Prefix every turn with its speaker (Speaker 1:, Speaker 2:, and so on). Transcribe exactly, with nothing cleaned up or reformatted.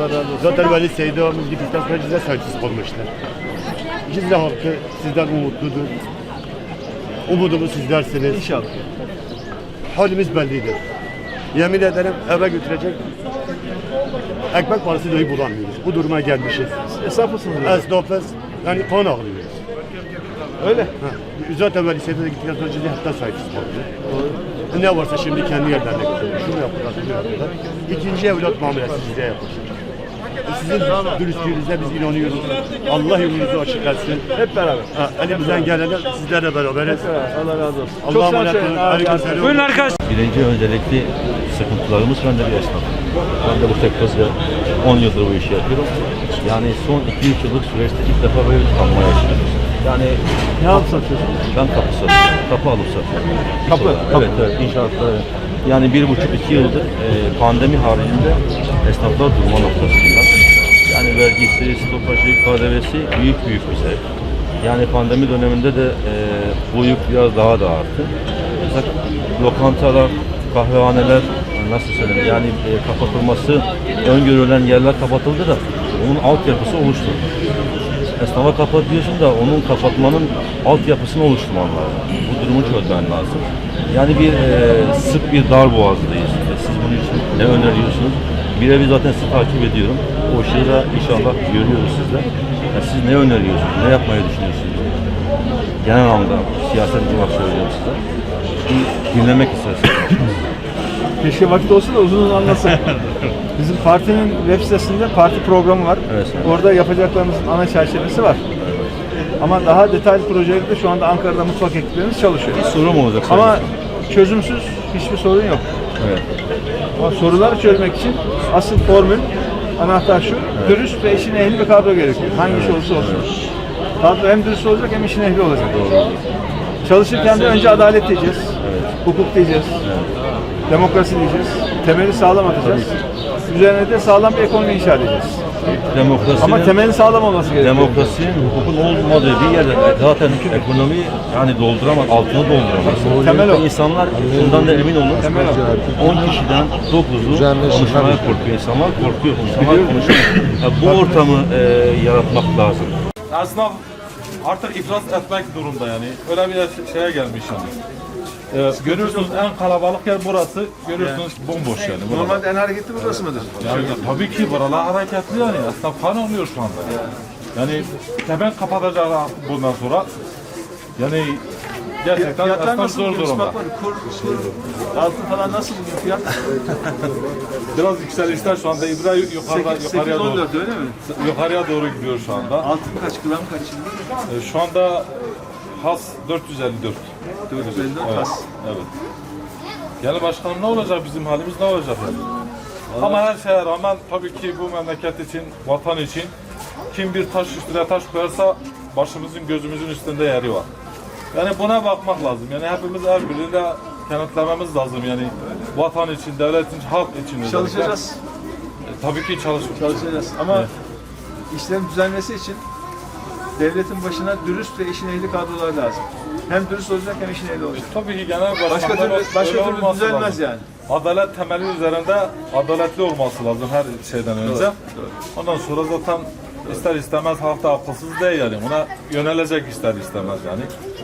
Speaker 1: razı olsun.
Speaker 2: Zaten Veli Seyit ağamız gittikten sonra Cizre sahipsiz kalmışlar. Cizre halkı sizden umutludur. Umudumuz sizlersiniz.
Speaker 1: İnşallah.
Speaker 2: Halimiz bellidir. Yemin ederim eve götürecek ekmek parası dahi bulamıyoruz. Bu duruma gelmişiz.
Speaker 1: Esnaf mısınız?
Speaker 2: Esnafız. Yani kan ağlıyoruz.
Speaker 1: Öyle.
Speaker 2: Ha. Zaten Veli Seyit'e gittikten sonra Cizre hatta sahipsiz kaldı. Ne varsa şimdi kendi yerlerine götürüyor. Şunu yaptılar, bunu yaptılar. İkinci evlat muamelesi size yapılır. Sizin dürüstlüğünüze biz inanıyoruz. Allah yolunuzu açık etsin.
Speaker 1: Hep beraber.
Speaker 2: Ha, elimizden gelene sizlerle beraberiz.
Speaker 1: Hep beraber. Allah razı olsun.
Speaker 2: Allah'a
Speaker 1: selam
Speaker 2: emanet
Speaker 1: söyleyin.
Speaker 2: olun.
Speaker 1: Abi,
Speaker 2: Aleykümselam.
Speaker 3: Buyurun arkadaşlar.
Speaker 4: Birinci öncelikli sıkıntılarımız ben de bir esnafım. Ben de bu sektörde on yıldır bu işi yapıyorum. Yani son iki üç yıllık süreçte ilk defa böyle bir kanma yaşıyoruz. Yani
Speaker 1: Ne alıp satıyorsun?
Speaker 4: ben kapı satıyorum. Kapı alıp satıyorum.
Speaker 1: Kapı?
Speaker 4: Evet, evet. İnşaatlar. Yani bir buçuk iki yıldır e, pandemi haricinde esnaflar durma noktasında. Yani vergisi, stopajı, K D V'si büyük büyük bir sebep. Yani pandemi döneminde de e, bu yük biraz daha da arttı. Mesela lokantalar, kahvehaneler, nasıl söyleyeyim, yani e, kapatılması öngörülen yerler kapatıldı da onun altyapısı oluştu. Esnafa kapat diyorsun da onun kapatmanın altyapısını oluşturman lazım. Bu durumu çözmen lazım. Yani bir e, sık bir dar boğazdayız. E, siz bunun için ne öneriyorsunuz? Birebir zaten sizi takip ediyorum. O şeyi de inşallah görüyoruz sizde. Yani siz ne öneriyorsunuz? Ne yapmayı düşünüyorsunuz? Genel anlamda siyaset olarak söylüyorum size. Bir dinlemek isterseniz.
Speaker 1: Keşke vakit olsa da uzun uzun anlatsın. Bizim partinin web sitesinde parti programı var.
Speaker 4: Evet, evet.
Speaker 1: Orada yapacaklarımızın ana çerçevesi var. Ama daha detaylı projelerde şu anda Ankara'da mutfak ekiplerimiz çalışıyor.
Speaker 4: Bir sorum olacak.
Speaker 1: Ama çözümsüz hiçbir sorun yok.
Speaker 4: Evet.
Speaker 1: Ama soruları çözmek için asıl formül, anahtar şu, evet. Dürüst ve işin ehli bir kadro gerekiyor. Hangi iş olursa olsun. Evet. Kadro hem dürüst olacak hem işin ehli olacak.
Speaker 4: Doğru.
Speaker 1: Çalışırken de önce adalet diyeceğiz,
Speaker 4: Evet.
Speaker 1: hukuk diyeceğiz,
Speaker 4: Evet.
Speaker 1: demokrasi diyeceğiz, temeli sağlam atacağız. Üzerine de sağlam bir ekonomi inşa edeceğiz.
Speaker 4: Demokrasinin,
Speaker 1: Ama temelin sağlam olması gerekiyor.
Speaker 4: demokrasinin, hukukun olmadığı bir yerde zaten ekonomi yani dolduramaz, altını dolduramaz.
Speaker 1: Temel o.
Speaker 4: İnsanlar bundan da emin olun.
Speaker 1: Temel o.
Speaker 4: on kişiden dokuzu konuşmaya korkuyor. İnsanlar korkuyor. İnsanlar konuşuyor. Yani bu ortamı e, yaratmak lazım.
Speaker 3: Esnaf artık iflas etmek durumda yani. Öyle bir şeye gelmiş yani. Ee, görüyorsunuz en kalabalık yer burası. Görüyorsunuz bomboş yani. Buralar.
Speaker 1: Normalde en hareketli burası mıdır?
Speaker 3: Yani tabii ki buralar hareketli yani. Esnaf kan oluyor şu anda. Yani hemen kapatacaklar bundan sonra. Yani gerçekten
Speaker 1: Fiyatlar
Speaker 3: esnaf
Speaker 1: nasıl
Speaker 3: zor
Speaker 1: bugün?
Speaker 3: durumda.
Speaker 1: Bak, kur, kur, altın falan nasıl bugün fiyat?
Speaker 3: Biraz yükselişler şu anda. İbra yukarıda, yukarıya doğru.
Speaker 1: sekiz on dört öyle mi?
Speaker 3: Yukarıya doğru gidiyor şu anda.
Speaker 1: Altın kaç, gram kaç şimdi?
Speaker 3: Ee, şu anda has dört yüz elli dört.
Speaker 1: dört yüz elli dört
Speaker 3: Evet.
Speaker 1: has.
Speaker 3: Evet. Yani başkanım ne olacak, bizim halimiz ne olacak yani? Ama her şeye rağmen tabii ki bu memleket için, vatan için kim bir taş üstüne taş koyarsa başımızın gözümüzün üstünde yeri var. Yani buna bakmak lazım. Yani hepimiz el birliğiyle kenetlememiz lazım yani vatan için, devlet için, halk için. özellikle.
Speaker 1: Çalışacağız.
Speaker 3: E, tabii ki çalışacağız.
Speaker 1: Çalışacağız. Ama
Speaker 3: Evet.
Speaker 1: işlerin düzelmesi için devletin başına dürüst ve işin ehli kadrolar lazım. Hem dürüst olacak hem işin ehli olacak.
Speaker 3: Tabii ki genel başkanlar
Speaker 1: Başka türlü, başka
Speaker 3: öyle
Speaker 1: türlü
Speaker 3: olması
Speaker 1: düzelmez
Speaker 3: lazım.
Speaker 1: yani.
Speaker 3: Adalet temeli üzerinde adaletli olması lazım her şeyden önce.
Speaker 1: Doğru,
Speaker 3: Ondan sonra zaten ister istemez halk da akılsız değil yani. Buna yönelecek ister istemez yani.